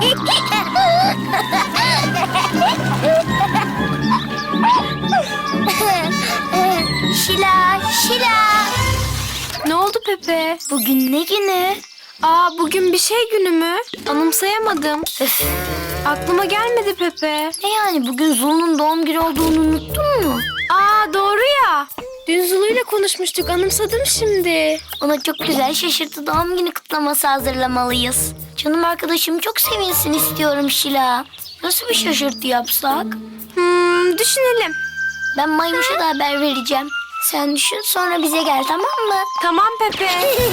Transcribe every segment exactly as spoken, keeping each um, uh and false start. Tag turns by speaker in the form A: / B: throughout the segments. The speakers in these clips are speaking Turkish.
A: Şila, Şila.
B: Ne oldu Pepe?
A: Bugün ne günü?
B: Aa, bugün bir şey günü mü? Anımsayamadım.
A: Öf.
B: Aklıma gelmedi Pepe.
A: Ne yani bugün Zulu'nun doğum günü olduğunu unuttun mu?
B: Aa, doğru ya. Dün Zulu'yla konuşmuştuk. Anımsadım şimdi.
A: Ona çok güzel şaşırtı doğum günü kutlaması hazırlamalıyız. Canım arkadaşım çok sevinsin istiyorum Şila. Nasıl bir şaşırtı yapsak?
B: Hmm, düşünelim.
A: Ben Maymuş'a da haber vereceğim. Sen düşün sonra bize gel, tamam mı?
B: Tamam Pepe.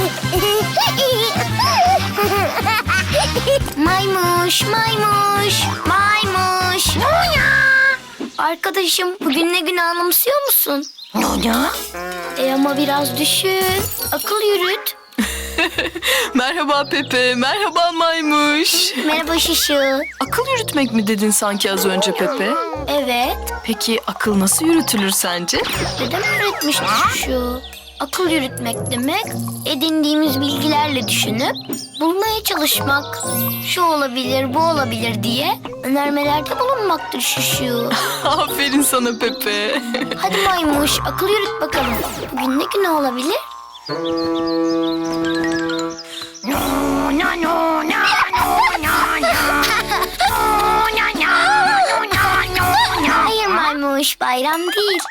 A: Maymuş, maymuş, maymuş. Arkadaşım bugün ne günü anımsıyor musun?
C: Ne?
A: E ama biraz düşün. Akıl yürüt.
D: Merhaba Pepe, merhaba Maymuş.
A: Merhaba Şişu.
D: Akıl yürütmek mi dedin sanki az önce Pepe?
A: Evet.
D: Peki akıl nasıl yürütülür sence?
A: Dedem öğretmişti Şişu. Akıl yürütmek demek edindiğimiz bilgilerle düşünüp bulmaya çalışmak. Şu olabilir, bu olabilir diye önermelerde bulunmaktır Şişu.
D: Aferin sana Pepe.
A: Hadi Maymuş, akıl yürüt bakalım. Bugün ne günü olabilir? Hayır Maymuş, bayram değil.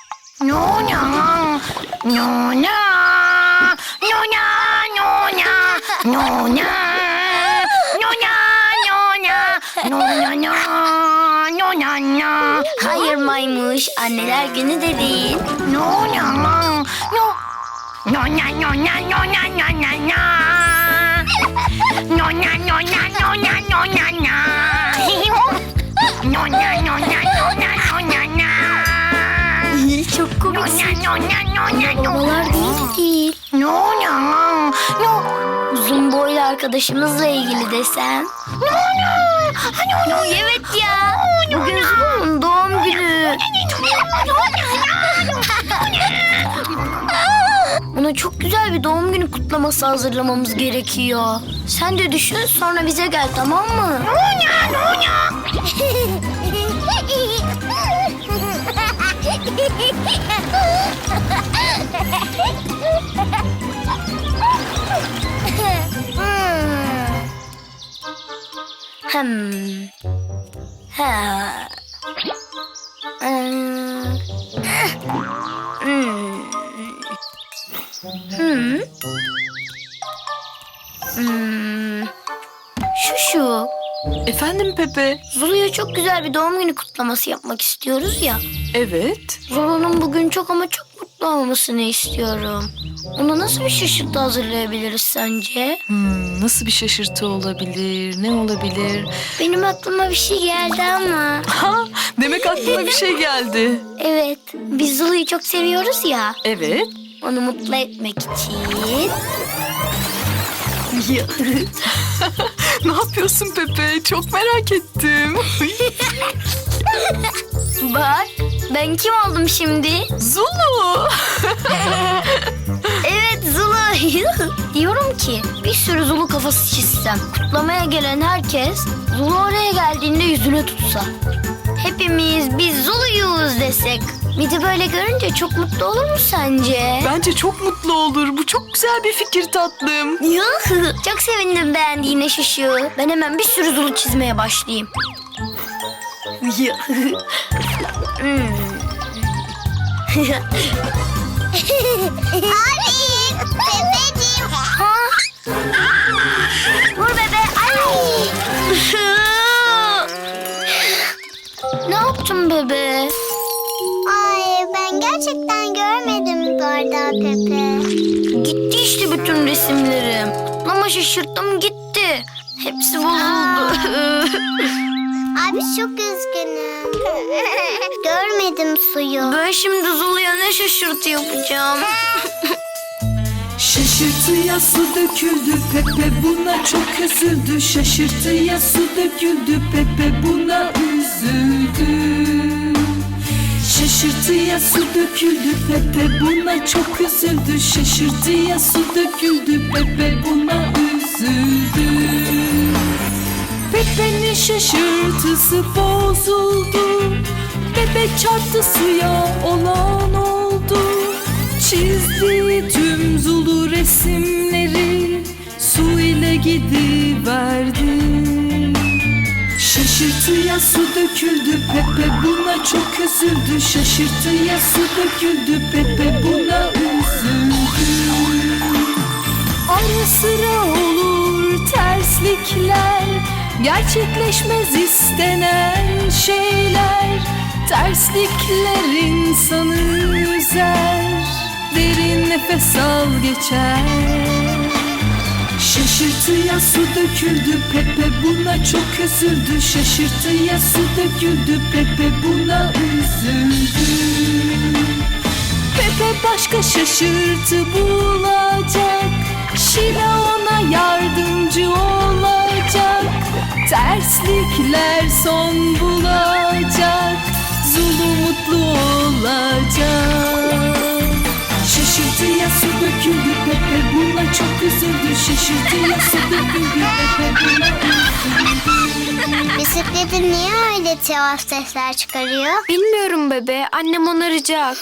A: Hayır Maymuş, anneler günü de değil. Çok komiksin. Babalar değil değil. Uzun boylu arkadaşımızla ilgili desem. Evet ya. Bugün Zulu'nun doğum günü. Ona çok güzel bir doğum günü kutlaması hazırlamamız gerekiyor. Sen de düşün sonra bize gel, tamam mı? Hmm. Ha. Hmm. Hmm. Hmm. Hmm. Şu şu.
D: Efendim Pepe?
A: Zulu'ya çok güzel bir doğum günü kutlaması yapmak istiyoruz ya.
D: Evet.
A: Zulu'nun bugün çok ama çok mutlu olmasını istiyorum. Ona nasıl bir şaşırtı hazırlayabiliriz sence?
D: Hmm, nasıl bir şaşırtı olabilir? Ne olabilir?
A: Benim aklıma bir şey geldi ama.
D: Ha, demek aklına bir şey geldi.
A: Evet, biz Zulu'yu çok seviyoruz ya.
D: Evet.
A: Onu mutlu etmek için.
D: Ne yapıyorsun Pepe? Çok merak ettim.
A: Bak, ben kim oldum şimdi?
D: Zulu.
A: Evet, Zulu. Diyorum ki bir sürü Zulu kafası çizsem. Kutlamaya gelen herkes Zulu oraya geldiğinde yüzüne tutsa. Hepimiz biz Zulu'yuz desek. Bir de böyle görünce çok mutlu olur mu sence?
D: Bence çok mutlu olur. Bu çok güzel bir fikir tatlım.
A: Yuh, çok sevindim beğendiğine Şuşu. Ben hemen bir sürü Zulu çizmeye başlayayım. Hmm.
C: Arif, Pepeciğim.
A: Ha? Vur bebe. Ay. Ne yaptın bebe?
C: Ay, ben gerçekten görmedim bardağı Pepe.
A: Gitti işte bütün resimlerim. Kutlama şaşırttım gitti. Hepsi bozuldu.
C: Abi çok üzgünüm. Görmedim suyu.
A: Ben şimdi Zulu'ya ne şaşırtı yapacağım?
E: Şaşırtıya su döküldü Pepe buna çok üzüldü. Şaşırtıya su döküldü Pepe buna üzüldü. Şaşırtıya su döküldü Pepe buna çok üzüldü. Şaşırtıya su döküldü Pepe buna üzüldü. Pepe'nin şaşırtısı bozuldu. Pepe çarptı suya, olan oldu. Çizdi tüm Zulu resimleri, su ile gidiverdi. Şaşırtıya su döküldü, Pepe buna çok üzüldü. Şaşırtıya su döküldü, Pepe buna üzüldü. Ara sıra olur terslikler, gerçekleşmez istenen şeyler. Terslikler insanı üzer, derin nefes al geçer. Şaşırtıya su döküldü, Pepe buna çok üzüldü. Şaşırtıya su döküldü, Pepe buna üzüldü. Pepe başka şaşırtı bulacak, Şila ona yardımcı olacak. Terslikler son bulacak, Zulu mutlu olacak. Şaşırtıya su döküldü, Pepe buna çok üzüldü. Şaşırtıya su döküldü, Pepe buna üzüldü.
C: Bisikletin niye öyle tuhaf sesler çıkarıyor?
B: Bilmiyorum bebe. Annem onaracak.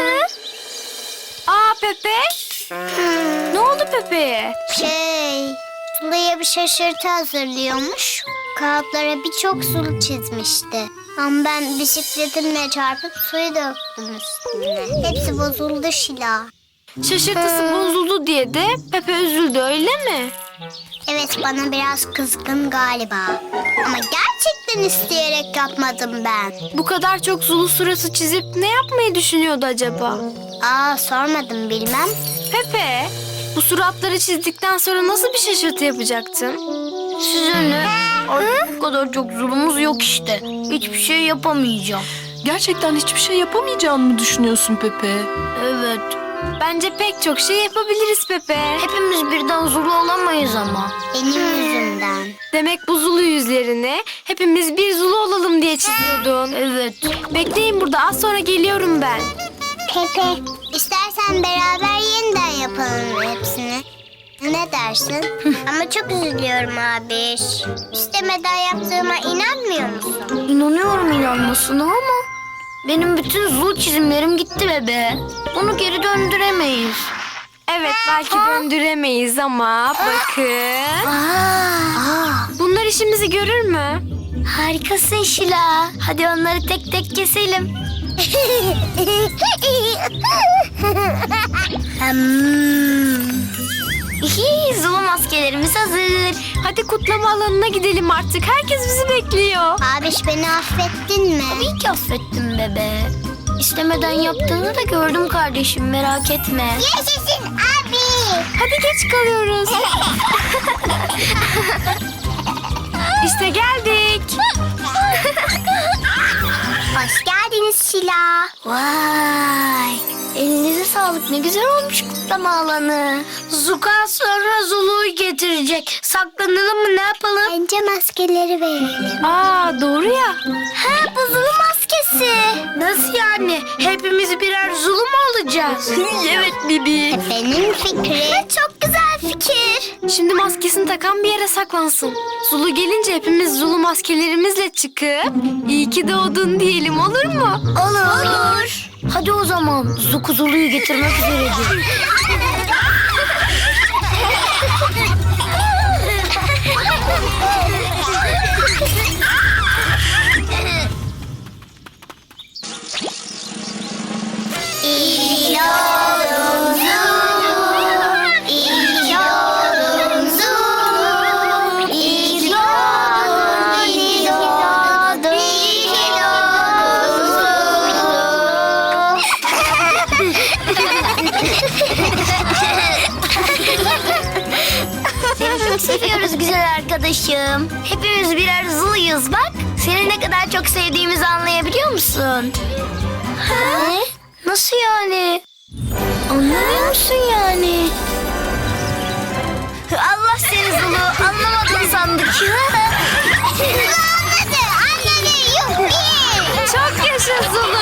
B: Aa Pepe. Ne oldu Pepe'ye?
C: Şey, Sulu'ya bir şaşırtı hazırlıyormuş. Kağıtlara birçok sulu çizmişti. Ama ben bisikletimle çarpıp suyu döktüm üstüne. Hepsi bozuldu Şila.
B: Şaşırtısı bozuldu diye de Pepe üzüldü, öyle mi?
C: Evet, bana biraz kızgın galiba. Ama gerçekten isteyerek yapmadım ben.
B: Bu kadar çok Zulu suratı çizip ne yapmayı düşünüyordu acaba?
C: Aa, sormadım, bilmem.
B: Pepe, bu suratları çizdikten sonra nasıl bir şaşırtı yapacaktın?
A: Size ne? Artık bu kadar çok zulumuz yok işte. Hiçbir şey yapamayacağım.
D: Gerçekten hiçbir şey yapamayacağını mı düşünüyorsun Pepe?
A: Evet.
B: Bence pek çok şey yapabiliriz Pepe.
A: Hepimiz birden Zulu olamayız ama.
C: Benim yüzümden.
B: Demek bu Zulu yüzlerine hepimiz bir Zulu olalım diye çiziyordun.
A: Evet.
B: Bekleyin burada, az sonra geliyorum ben.
C: Pepe, istersen beraber yeniden yapalım hepsini. Ne dersin? Ama çok üzülüyorum abi. İstemeden yaptığıma inanmıyor musun?
A: İnanıyorum inanmasına ama benim bütün Zulu çizimlerim gitti bebe. Bunu geri döndüremeyiz.
B: Evet, belki döndüremeyiz ama bakın.
A: Aa,
B: Bunlar işimizi görür mü?
A: harikasın Şila. Hadi onları tek tek keselim. Hmm. Hihi, Zulu maskelerimiz hazır.
B: Hadi kutlama alanına gidelim artık. Herkes bizi bekliyor.
C: Abiş, beni affettin mi?
A: Tabii ki affettim bebe. İstemeden yaptığını da gördüm kardeşim, merak etme.
C: Yaşasın abi.
B: Hadi geç kalıyoruz. İşte geldik.
C: Hoş geldiniz Şila.
A: Vay! Elinize sağlık, ne güzel olmuş kutlama alanı. Zuka sonra Zulu'yu getirecek. Saklanalım mı, ne yapalım?
C: Bence maskeleri verelim.
B: Aa, doğru ya.
A: Ha, bu Zulu maskesi. Nasıl yani? Hepimiz birer Zulu mu olacağız? Evet Bibi.
C: Benim fikri. Çok güzel fikir.
B: Şimdi maskesini takan bir yere saklansın. Zulu gelince hepimiz Zulu maskelerimizle çıkıp iyi ki doğdun diyelim, olur mu?
A: Olur. Olur. Hadi o zaman Zuku Zulu'yu getirmek üzeredir.
C: İyi oldun Zulu, iyi oldun Zulu, iyi ki doğdun, iyi ki doğdun, iyi ki doğdun Zulu.
A: Seni çok seviyoruz güzel arkadaşım. Hepimiz birer Zulu'yuz bak. Seni ne kadar çok sevdiğimizi anlayabiliyor musun? Ne? Nasıl yani? Anlamıyor musun yani? Allah seni Zulu, anlamadın sandık.
C: Anladı, anladı, yuppi.
B: Çok yaşa Zulu.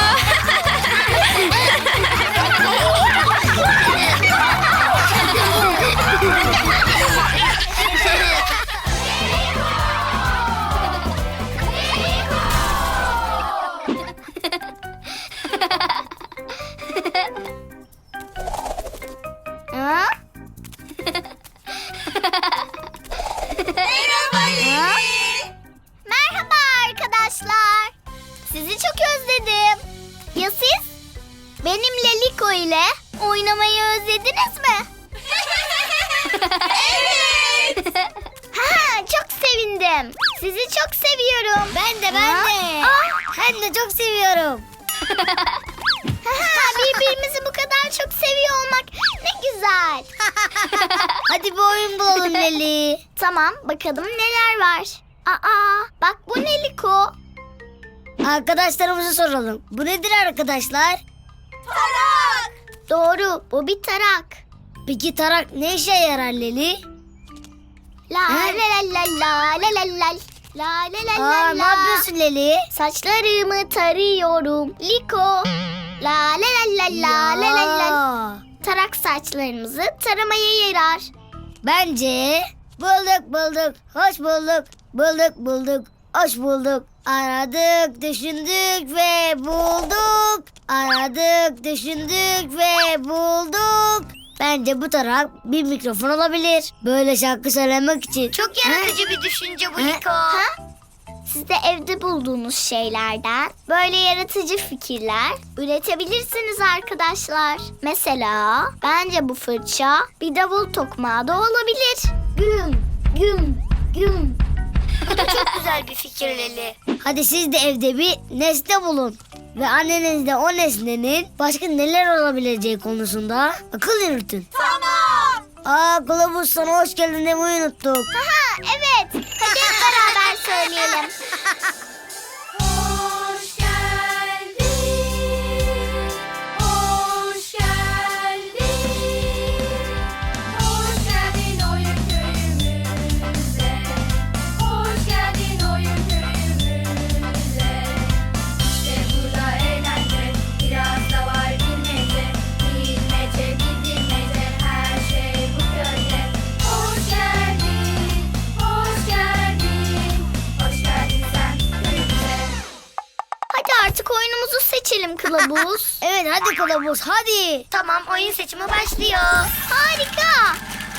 C: böyle? Oynamayı özlediniz mi? Evet. Ha, çok sevindim. Sizi çok seviyorum. Ben de ben de. Ben de çok seviyorum. Birbirimizi bu kadar çok seviyor olmak ne güzel. Hadi bir oyun bulalım Leli. Tamam, bakalım neler var. Aa, bak bu ne Liko? Arkadaşlarımıza soralım. Bu nedir arkadaşlar? Tarak. Doğru, bu bir tarak. Peki tarak ne işe yarar Leli? La la la la la la la la. La la la la la. Ne yapıyorsun Leli? Saçlarımı tarıyorum. Liko. La la la la la la la la. Tarak saçlarımızı taramaya yarar. Bence bulduk bulduk, hoş bulduk. Bulduk bulduk, hoş bulduk. Aradık, düşündük ve bulduk. Aradık, düşündük ve bulduk. Bence bu tarak bir mikrofon olabilir. Böyle şarkı söylemek için.
A: Çok yaratıcı bir düşünce bu Liko.
C: Siz de evde bulduğunuz şeylerden böyle yaratıcı fikirler üretebilirsiniz arkadaşlar. Mesela bence bu fırça bir davul tokmağı da olabilir. Güm, güm, güm.
A: Bu da çok güzel bir fikir Leli.
C: Hadi siz de evde bir nesne bulun. Ve annenizde o nesnenin başka neler olabileceği konusunda akıl yürütün.
A: Tamam.
C: Aa kılavuz, sana hoş geldin demeyi unuttuk. Aha evet. Hadi hep beraber söyleyelim.
B: Hoş geldin, hoş geldin, hoş geldin oyun köyümüze, hoş geldin oyun köyümüze. İşte burada eğlence, biraz da var bilmece, bilmece bilmece, her şey bu köyde. Hoş geldin, hoş geldin, hoş geldin sen köyümüze.
C: Hadi artık oyunumuzu seçelim kılavuz. Evet hadi kılavuz hadi.
A: Tamam, oyun seçimi başlıyor.
C: Harika.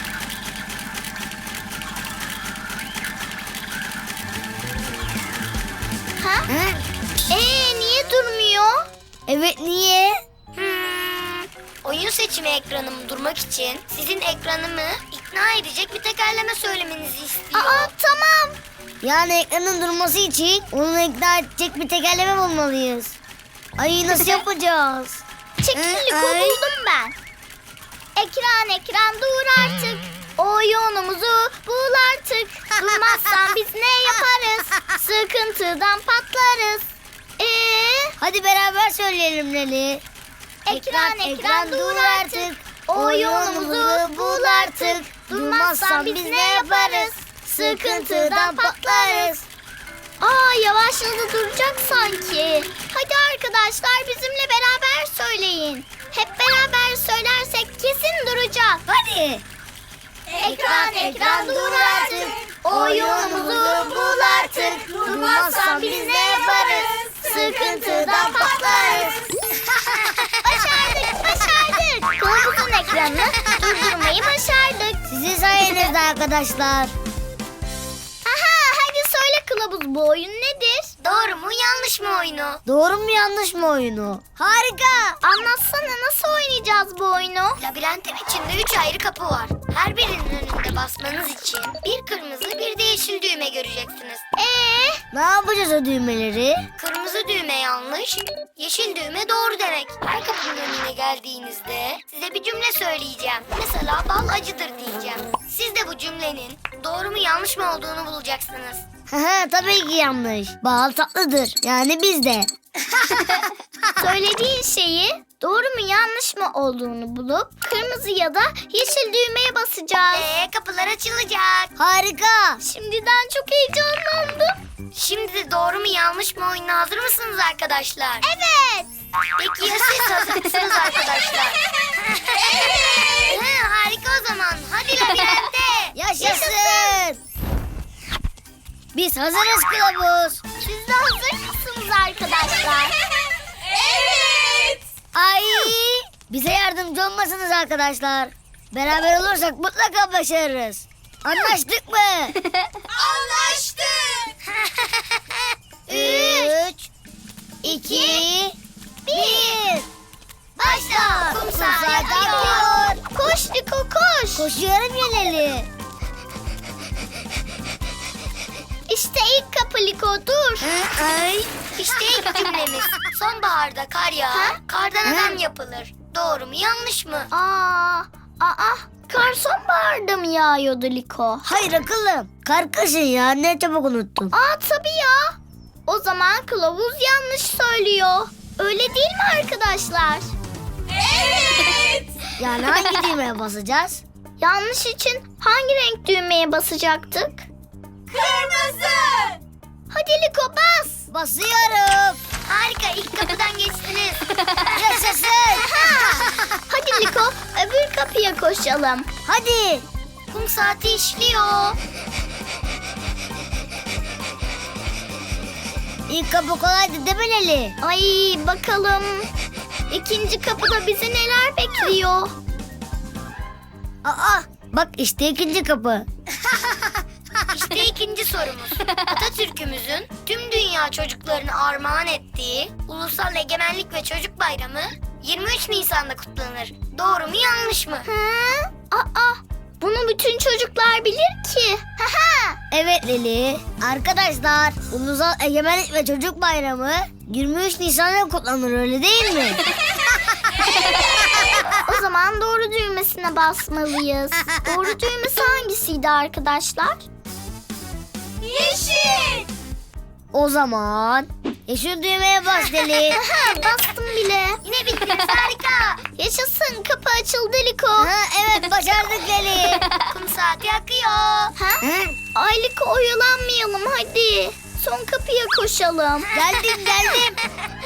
C: Ha? Ee niye durmuyor? Evet niye?
A: Hmm, oyun seçimi ekranım durmak için sizin ekranımı ikna edecek bir tekerleme söylemenizi istiyor.
C: Aa tamam. Yani ekranın durması için onu ikna edecek bir tekerleme bulmalıyız. Ay nasıl yapacağız? Çekil Liko, buldum ben. Ekran ekran dur artık. Oyunumuzu bul artık. Durmazsan biz ne yaparız? Sıkıntıdan patlarız. Ee? Hadi beraber söyleyelim Leli. Ekran ekran dur artık. Oyunumuzu bul artık. Durmazsan biz ne yaparız? Sıkıntıdan patlarız. Aa yavaşladı, duracak sanki. Hadi arkadaşlar bizimle beraber söyleyin. Hep beraber söylersek kesin duracak. Hadi. Ekran ekran dur artık. Oyunumuzu bul artık. Durmazsan biz ne yaparız? Sıkıntıdan patlarız. Başardık başardık. Kılavuzun ekranını durdurmayı başardık. Sizin sayenizde arkadaşlar. Aha hadi söyle kılavuz, bu oyun nedir?
A: Doğru mu yanlış mı oyunu?
C: Doğru mu yanlış mı oyunu? Harika. Anlatsana, nasıl oynayacağız bu oyunu?
A: Labirentin içinde üç ayrı kapı var. Her birinin önünde basmanız için bir kırmızı bir de yeşil düğme göreceksiniz.
C: Ee, ne yapacağız o düğmeleri?
A: Kırmızı düğme yanlış, yeşil düğme doğru demek. Her kapının önüne geldiğinizde size bir cümle söyleyeceğim. Mesela bal acıdır diyeceğim. Siz de bu cümlenin doğru mu yanlış mı olduğunu bulacaksınız.
C: Haha tabii ki yanlış. Bal tatlıdır. Yani biz de. Söylediğin şeyi doğru mu yanlış mı olduğunu bulup kırmızı ya da yeşil düğmeye basacağız.
A: Ee, kapılar açılacak.
C: Harika. Şimdiden çok heyecanlandım.
A: Şimdi de doğru mu yanlış mı oyununa hazır mısınız arkadaşlar?
C: Evet.
A: Peki ya siz hazır mısınız arkadaşlar? Evet. Ha, harika o zaman. Hadi labirente.
C: Yaşasın. Biz hazırız kılavuz. Siz de hazır mısınız arkadaşlar?
B: Evet.
C: Ay, bize yardımcı olmasınız arkadaşlar. Beraber olursak mutlaka başarırız. Anlaştık mı?
B: Anlaştık.
C: Üç, iki, bir. Başla. Kumsal yakıyor. Koş Liko koş. Koşuyorum Yeleli. İşte ilk kapı Liko dur.
A: Ay. İşte ilk cümlemiz. Sonbaharda kar yağar, kardan adam yapılır. Doğru mu yanlış mı?
C: Aa, aa, kar sonbaharda mı yağıyordu Liko?
F: Hayır akıllım. Kar kışın ya. Ne çabuk unuttun.
C: Aa tabii ya. O zaman kılavuz yanlış söylüyor. Öyle değil mi arkadaşlar?
F: Yani hangi düğmeye basacağız?
C: Yanlış için hangi renk düğmeye basacaktık? Kırmızı. Hadi Liko bas.
F: Basıyorum.
A: Harika, ilk kapıdan geçtiniz.
F: Yaşasın.
C: Hadi Liko öbür kapıya koşalım.
F: Hadi.
A: Kum saati işliyor.
F: İlk kapı kolaydı değil mi Leli?
C: Ay bakalım. İkinci kapıda bizi neler bekliyor?
F: Aa, bak işte ikinci kapı.
A: İşte ikinci sorumuz. Atatürk'ümüzün tüm dünya çocuklarını armağan ettiği Ulusal Egemenlik ve Çocuk Bayramı yirmi üç Nisan'da kutlanır. Doğru mu yanlış mı?
C: Hı? Aa, bunu bütün çocuklar bilir ki.
F: Evet Leli. Arkadaşlar, Ulusal Egemenlik ve Çocuk Bayramı yirmi üç Nisan'da kutlanır öyle değil mi?
C: O zaman doğru düğmesine basmalıyız. Doğru düğmesi hangisiydi arkadaşlar? Yeşil.
F: O zaman yeşil düğmeye bas Leli.
C: Bastım bile.
A: Yine bittiniz, harika.
C: Yaşasın, kapı açıldı Liko.
F: Ha, evet başardık Leli.
A: Kum saati akıyor.
C: Ha?
F: Hı?
C: Ay Liko oyalanmayalım hadi. Son kapıya koşalım.
F: Geldim geldim.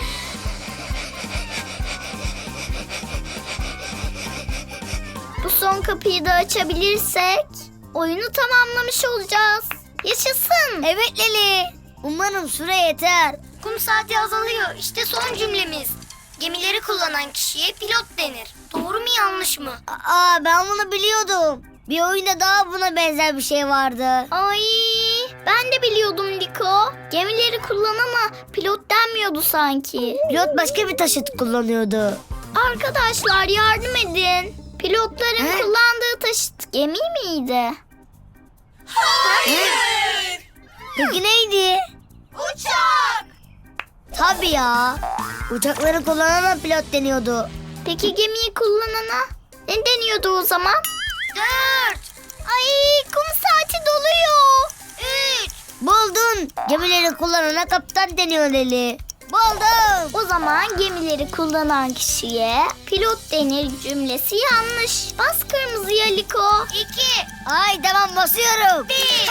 C: Bu son kapıyı da açabilirsek oyunu tamamlamış olacağız. Yaşasın.
F: Evet Leli. Umarım süre yeter.
A: Kum saati azalıyor. İşte son cümlemiz. Gemileri kullanan kişiye pilot denir. Doğru mu yanlış mı?
F: Aa, ben bunu biliyordum. Bir oyunda daha buna benzer bir şey vardı.
C: Ay ben de biliyordum Liko. Gemileri kullanana pilot denmiyordu sanki.
F: Pilot başka bir taşıt kullanıyordu.
C: Arkadaşlar yardım edin. Pilotların
F: He?
C: kullandığı taşıt gemi miydi?
F: Peki neydi?
C: Uçak.
F: Tabii ya. Uçakları kullanana pilot deniyordu.
C: Peki gemiyi kullanana ne deniyordu o zaman?
A: Dört.
C: Ay kum saati doluyor.
A: Üç.
F: Buldun. Gemileri kullanana kaptan deniyor Leli. Buldum.
C: O zaman gemileri kullanan kişiye pilot denir cümlesi yanlış. Bas kırmızıya Liko.
A: İki.
F: Ay tamam basıyorum.
A: Bir.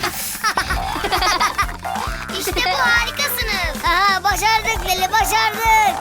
A: İşte bu, harikasınız.
F: Aha, başardık Leli başardık.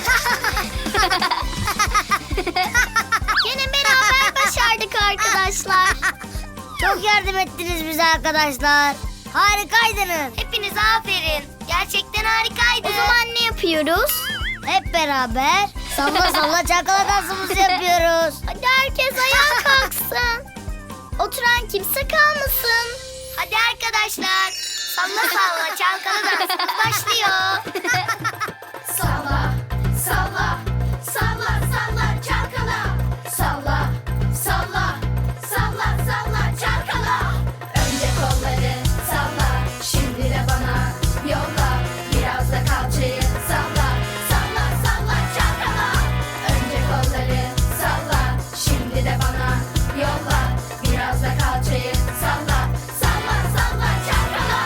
C: Yine beraber başardık arkadaşlar.
F: Çok yardım ettiniz bize arkadaşlar. Harikaydınız.
A: Hepinize aferin. Gerçekten harikaydı.
C: O zaman ne yapıyoruz?
F: Hep beraber salla salla çalkala dansımızı yapıyoruz.
C: Hadi herkes ayağa kalksın. Oturan kimse kalmasın.
A: Hadi arkadaşlar. Salla salla çalkalı dansımız başlıyor.
G: Salla, salla, salla, salla, çalkala. Salla, salla, salla, salla, çalkala. Önce kolları salla, şimdi de bana yolla. Biraz da kalçayı salla, salla, salla, çalkala. Önce kolları salla, şimdi de bana yolla. Biraz da kalçayı salla, salla, salla, çalkala.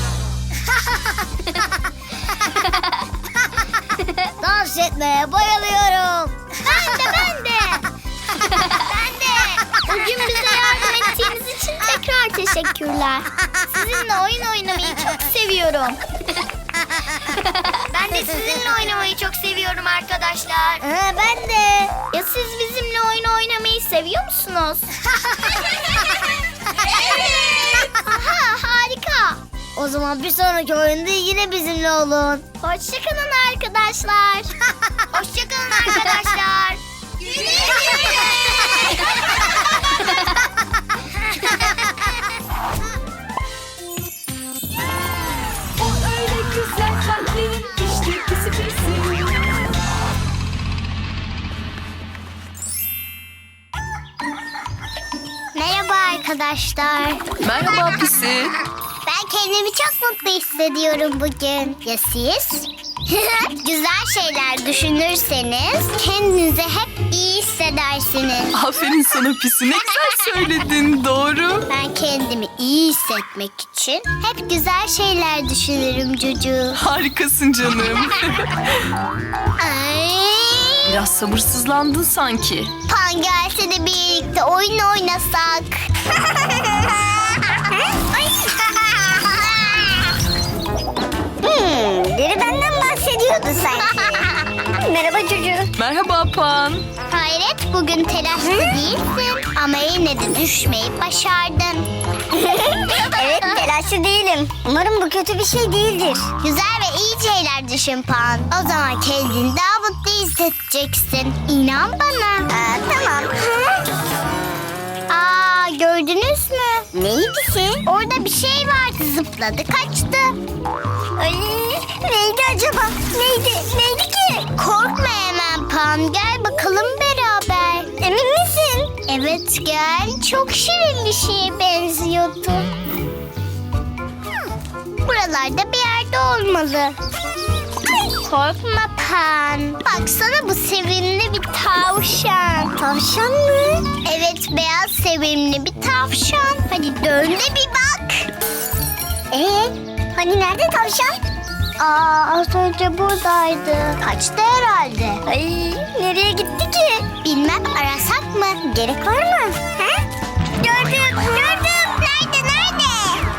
F: Dans etmeye bayılıyorum.
C: Ben de ben de.
A: Ben de.
C: Bugün bize yardım ettiğiniz için tekrar teşekkürler. Sizinle oyun oynamayı çok seviyorum.
A: Ben de sizinle oynamayı çok seviyorum arkadaşlar.
F: Aha, ben de.
C: Ya siz bizimle oyun oynamayı seviyor musunuz? Evet. Aha harika.
F: O zaman bir sonraki oyunda yine bizimle olun.
C: Hoşçakalın arkadaşlar.
A: Hoşçakalın arkadaşlar.
E: O öyle güzel kalplerin işte pisi pisi.
C: arkadaşlar.
D: Merhaba Pisi.
C: Ben kendimi çok mutlu hissediyorum bugün. Ya siz? Güzel şeyler düşünürseniz kendinizi hep iyi hissedersiniz.
D: Aferin sana Pisi. Ne güzel söyledin. Doğru.
C: Ben kendimi iyi hissetmek için hep güzel şeyler düşünürüm Cucu.
D: Harikasın canım.
C: Ay.
D: Biraz sabırsızlandın sanki.
C: Pan gelse de birlikte oyun oynasak.
F: Hmm, biri benden bahsediyordu sanki. Merhaba çocuğum.
D: Merhaba Pan.
C: Hayret, bugün telaşlı değilsin ama yine de düşmeyi başardın.
F: Evet, telaşlı değilim. Umarım bu kötü bir şey değildir.
C: Güzel ve iyi şeyler düşün Pan. O zaman kendini daha mutlu hissedeceksin. İnan bana.
F: Aa, tamam.
C: Aa, gördünüz mü?
F: Neydi ki?
C: Orada bir şey vardı, zıpladı kaçtı.
F: Ay, neydi acaba? Neydi? Neydi ki?
C: Korkma hemen Pan, gel bakalım beraber.
F: Emin misin?
C: Evet gel, çok şirin bir şeye benziyordu. Buralarda bir yerde olmalı. Korkma Pan. Baksana, bu sevimli bir tavşan.
F: Tavşan mı?
C: Evet, beyaz sevimli bir tavşan. Hadi dön de bir bak.
F: Ee, hani nerede tavşan?
C: Aa, az önce buradaydı. Kaçtı herhalde.
F: Ay, nereye gitti ki?
C: Bilmem, arasak mı?
F: Gerek var mı? Ha? Gördüm, gördüm.
C: Nerede, nerede?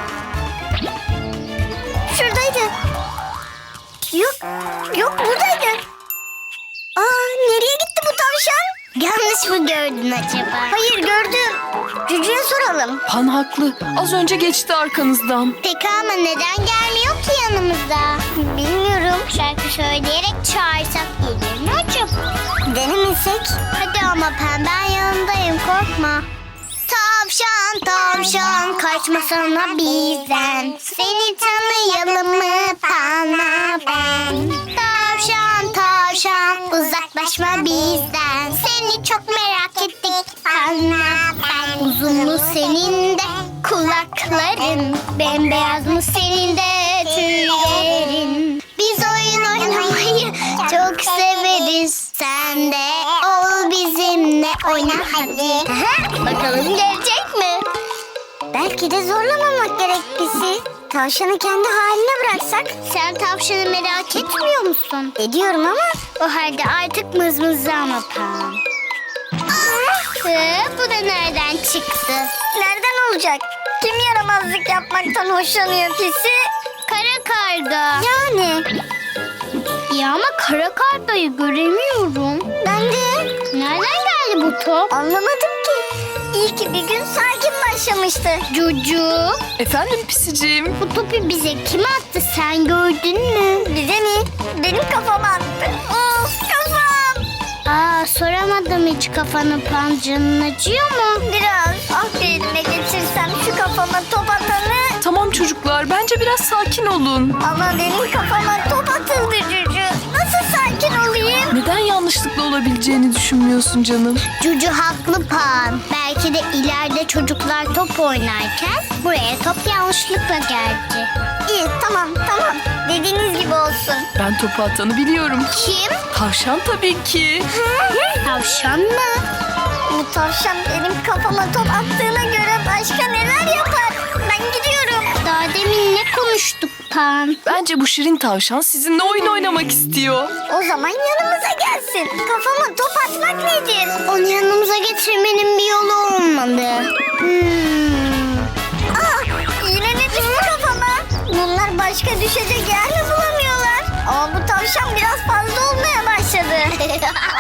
F: Şuradaydı. Yok, yok buradaydı. Aa, nereye gitti bu tavşan?
C: Yanlış mı gördün acaba?
F: Hayır, gördüm. Cücü'ye soralım.
D: Pan haklı. Az önce geçti arkanızdan.
C: Peki ama neden gelmiyor ki yanımıza?
F: Bilmiyorum.
C: Şarkı söyleyerek çağırsak gelir mi acaba?
F: Denemesek?
C: Hadi ama Pen, ben yanındayım, korkma. Tavşan tavşan kaçmasana bizden. Seni tanıyalım mı Pan'a ben? Tavşan tavşan uzaklaşma bizden. Seni çok merak ettik Pan'a ben. Uzun mu senin de kulakların? Bembeyaz mı senin de tüylerin? Biz oyun oynamayı çok severiz. Sen de ol bizimle, oyna hadi. Bakalım gelecek mi?
F: Belki de zorlamamak gerek bizi. Tavşanı kendi haline bıraksak.
C: Sen tavşanı merak etmiyor musun?
F: Ediyorum ama.
C: O halde artık mızmızlama Pan. Ee, bu da nereden çıktı?
F: Nereden olacak? Kim yaramazlık yapmaktan hoşlanıyor pisi?
C: Kara karga.
F: Yani.
C: Ya ama kara kargayı göremiyorum.
F: Ben de.
C: Nereden geldi bu top?
F: Anlamadım ki. İyi ki bir gün sakin başlamıştı.
C: Cucu.
D: Efendim Pisiciğim.
C: Bu topu bize kim attı, sen gördün mü?
F: Bize mi? Benim kafama attı. Of, kafam.
C: Aa, soramadım hiç kafanı Pan, canın acıyor mu?
F: Biraz. Ah, bir elime geçirsem şu kafama top atanı.
D: Tamam çocuklar. Bence biraz sakin olun.
F: Ama benim kafama top atıldı Cücü. Nasıl sakin olayım?
D: Neden yanlışlıkla olabileceğini düşünmüyorsun canım?
C: Cucu haklı Pan. Belki de ileride çocuklar top oynarken buraya top yanlışlıkla geldi.
F: İyi, tamam tamam. Dediğiniz gibi olsun.
D: Ben topu atanı biliyorum.
C: Kim?
D: Tavşan tabii ki.
C: Tavşan mı?
F: Bu tavşan benim kafama top attığına göre başka neler yapar? Ben gidiyorum.
C: Daha demin ne konuştuk Pan?
D: Bence bu şirin tavşan sizinle oyun oynamak istiyor.
F: O zaman yanımıza gelsin. Kafama top atmak nedir?
C: Onu yanımıza getirmenin bir yolu olmalı. Hmm.
F: Aa, yine ne düştü kafama? Bunlar başka düşecek yer mi bulamıyorlar? Ama bu tavşan biraz fazla olmaya başladı.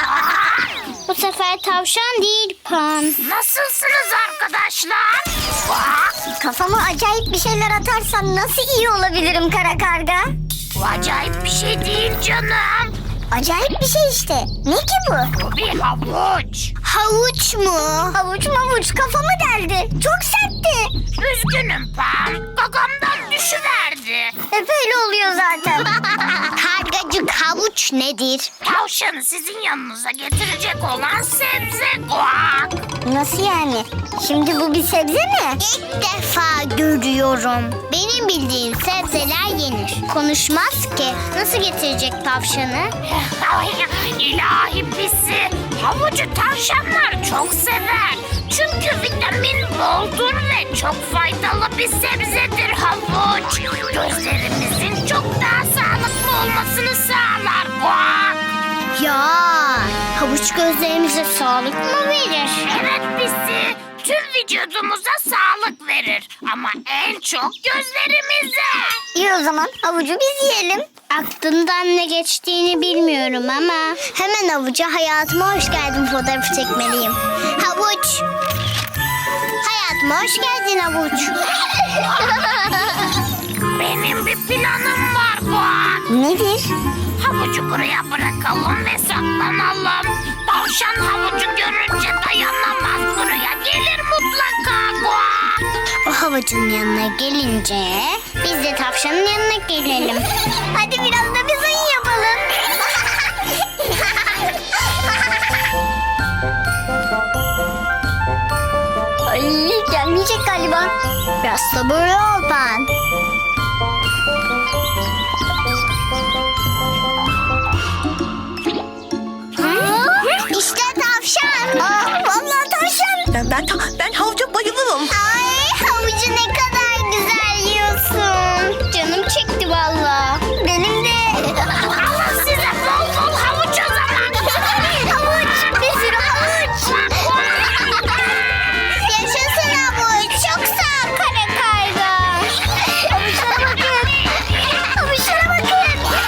C: Bu sefer tavşan değil Pan.
G: Nasılsınız arkadaşlar?
F: Kafama acayip bir şeyler atarsam nasıl iyi olabilirim kara karga?
G: Bu acayip bir şey değil canım.
F: Acayip bir şey işte. Ne ki bu?
G: Bu bir havuç.
C: Havuç mu?
F: Havuç mavuç kafamı deldi. Çok sertti.
G: Üzgünüm Pan. Gagamdan düşüverdi.
F: Hep öyle oluyor zaten.
C: Kargacık, havuç nedir?
G: Tavşanı sizin yanınıza getirecek olan sebze. Guak.
F: Nasıl yani? Şimdi bu bir sebze mi?
C: İlk defa görüyorum. Benim bildiğim sebzeler yenir. Konuşmaz ki. Nasıl getirecek tavşanı?
G: İlahi pisi. Havucu tavşanlar çok sever. Çünkü vitamin boldur ve çok faydalı bir sebzedir havuç. Gözlerimizin çok daha sağlıklı olmasını sağlar. Guak.
C: Ya havuç gözlerimize sağlık mı verir?
G: Evet pisi. Tüm vücudumuza sağlık verir. Ama en çok gözlerimize.
F: İyi o zaman havucu biz yiyelim.
C: Aklından ne geçtiğini bilmiyorum ama hemen havuca hayatıma hoş geldin fotoğrafı çekmeliyim. Havuç. Hayatıma hoş geldin havuç.
G: Benim bir planım var Guak.
F: Nedir?
G: Havucu buraya bırakalım ve saklanalım. Tavşan havucu görünce dayanamaz, buraya gelir mutlaka. Guak.
C: O havucun yanına gelince biz de tavşanın yanına gelelim.
F: Hadi biraz da biz oyun yapalım. Ay gelmeyecek galiba.
C: Biraz sabırlı ol Pan. İşte tavşan.
F: Aa, vallahi tavşan.
D: Ben ben, ben havuca bayılırım.
C: Ay havucu ne kadar güzel yiyorsun. Canım çekti valla.
F: Benim de.
G: Alın size bol bol havuç o zaman.
F: Havuç. Bir sürü havuç.
C: Yaşasın havuç. Çok sağ ol kara karga.
F: Havuçlara bakın. Havuçlara bakın.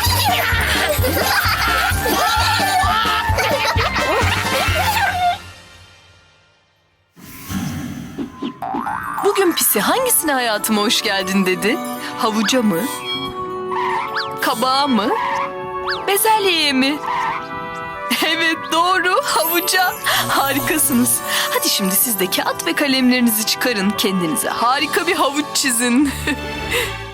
D: Bugün pisi hangisine hayatıma hoş geldin dedi? Havuca mı? Kabağa mı? Bezelyeye mi? Evet doğru, havuca. Harikasınız. Hadi şimdi siz de kağıt ve kalemlerinizi çıkarın. Kendinize harika bir havuç çizin.